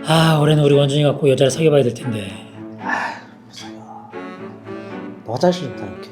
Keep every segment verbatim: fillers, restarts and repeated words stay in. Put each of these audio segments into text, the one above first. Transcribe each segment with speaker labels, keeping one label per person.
Speaker 1: 아, 올해는 우리 원준이 갖고 여자를 사귀어봐야 될 텐데.
Speaker 2: 아, 사겨. 너 화장실 좀 다녀올게.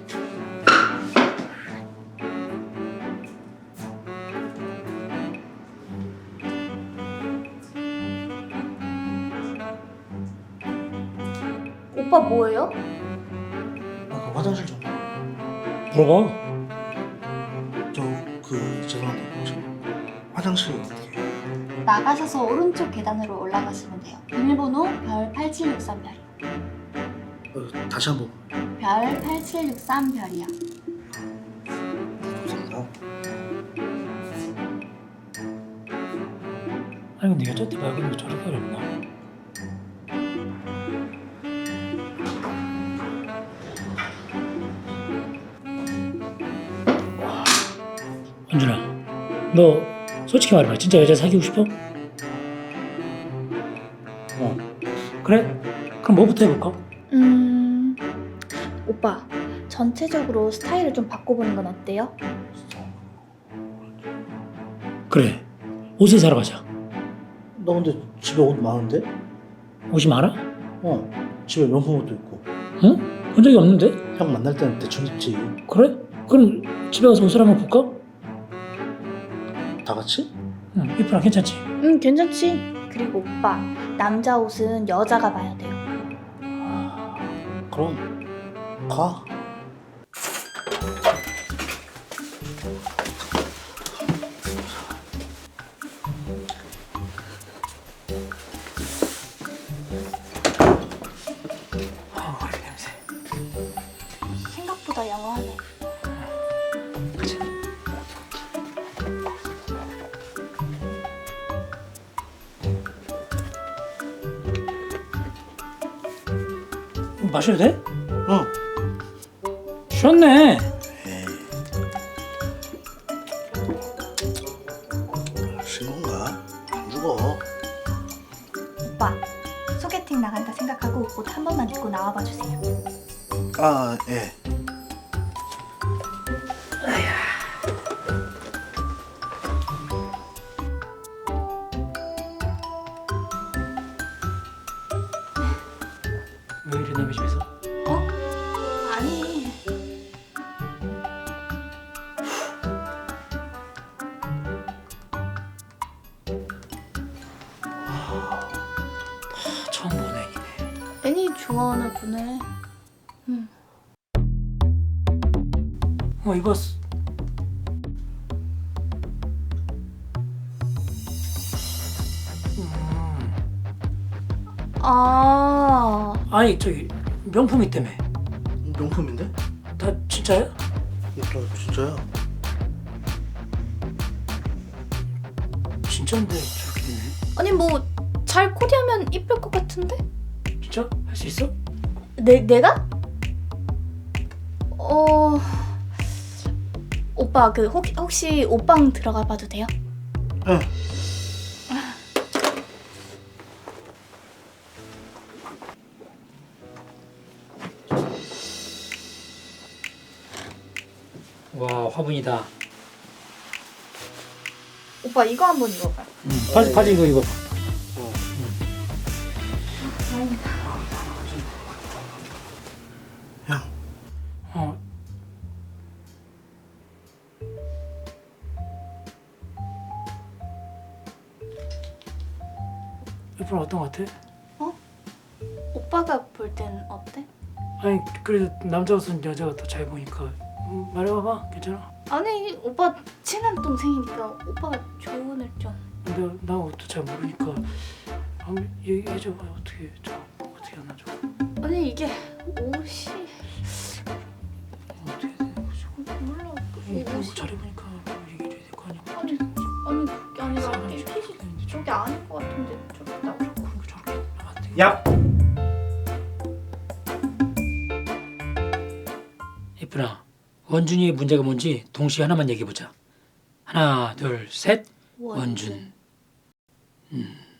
Speaker 3: 오빠 뭐예요?
Speaker 2: 아, 그 화장실 좀.
Speaker 1: 물어봐.
Speaker 2: 저 그 죄송한데 혹시 화장실 어떻게?
Speaker 3: 나가셔서 오른쪽 계단으로 올라가시면 돼요. 비밀번호 별 팔칠육삼 별이요.
Speaker 2: 어, 다시 한번.
Speaker 3: 별 팔칠육삼 별이요.
Speaker 2: 감사합니다.
Speaker 1: 아니 근데 여자한테 말 걸는 게 저렇게 어렵나? 원준아, 너 솔직히 말해봐. 진짜 여자 사귀고 싶어?
Speaker 2: 어.
Speaker 1: 그래? 그럼 뭐부터 해볼까?
Speaker 3: 음... 오빠, 전체적으로 스타일을 좀 바꿔보는 건 어때요?
Speaker 1: 그래, 옷을 사러 가자.
Speaker 2: 나 근데 집에 옷 많은데?
Speaker 1: 옷이 많아?
Speaker 2: 어. 집에 명품 옷도 있고.
Speaker 1: 응? 본 적이 없는데?
Speaker 2: 형 만날 때는 대충 입지.
Speaker 1: 그래? 그럼 집에 가서 옷을 한번 볼까?
Speaker 2: 다 같이?
Speaker 1: 응, 이쁘나 괜찮지?
Speaker 3: 응, 괜찮지. 그리고 오빠, 남자 옷은 여자가 봐야 돼요.
Speaker 2: 아, 그럼 가.
Speaker 1: 아, 냄새.
Speaker 3: 생각보다 양호하네.
Speaker 1: 그치? 마셔도 돼?
Speaker 2: 응.
Speaker 1: 쉬었네.
Speaker 2: 에이. 신 건가? 안 죽어.
Speaker 3: 오빠, 소개팅 나간다 생각하고 옷 한 번만 입고 나와봐 주세요.
Speaker 2: 아, 예.
Speaker 1: 왜 이래 남의 집에서?
Speaker 3: 어? 아니.
Speaker 1: 처음 보는 애기네.
Speaker 3: 애니 좋아하나 보네. 응.
Speaker 1: 어, 입었어. 음,
Speaker 3: 아,
Speaker 1: 아니 저기 명품이 때문에.
Speaker 2: 명품인데?
Speaker 1: 다 진짜야?
Speaker 2: 나 진짜야.
Speaker 1: 진짜인데 저렇게 되네.
Speaker 3: 아니 뭐 잘 코디하면 이쁠 것 같은데?
Speaker 1: 진짜? 할 수 있어?
Speaker 3: 내 내가? 어, 오빠 그 혹, 혹시 옷방 들어가 봐도 돼요?
Speaker 2: 예.
Speaker 1: 와, 화분이다.
Speaker 3: 오빠 이거 한번 입어봐요.
Speaker 1: 응, 바지 바지 이거 입어봐.
Speaker 2: 어.
Speaker 3: 다행이다.
Speaker 2: 형,
Speaker 1: 어. 이쁜 어떤 것 같아?
Speaker 3: 오빠가 볼 땐 어때?
Speaker 1: 아니 그래도 남자 옷은 여자가 더 잘 보니까. 음, 말해봐봐. 괜찮아?
Speaker 3: 아니 오빠 친한 동생이니까 오빠가 조언을 좀.
Speaker 1: 근데 나 옷도 잘 모르니까 한번 얘기해줘봐. 어떻게 저 어떻게 하나 좀
Speaker 3: 아니 이게 옷이
Speaker 1: 어떻게 해야 되는 거지?
Speaker 3: 몰라.
Speaker 1: 이거
Speaker 3: 옷이
Speaker 1: 잘 입으니까 얘기해줘야 될 거 아니야?
Speaker 3: 아니 아니 그게 아니라
Speaker 1: 사람이
Speaker 3: 핏이
Speaker 1: 저렇게 되는데
Speaker 3: 저게 아닌 것 같은데 저게 나.
Speaker 1: 그러니까 저렇게 하면 안 돼.
Speaker 2: 야.
Speaker 1: 예쁘나, 원준이의 문제가 뭔지 동시에 하나만 얘기해보자. 하나, 둘, 셋. 원준. 음.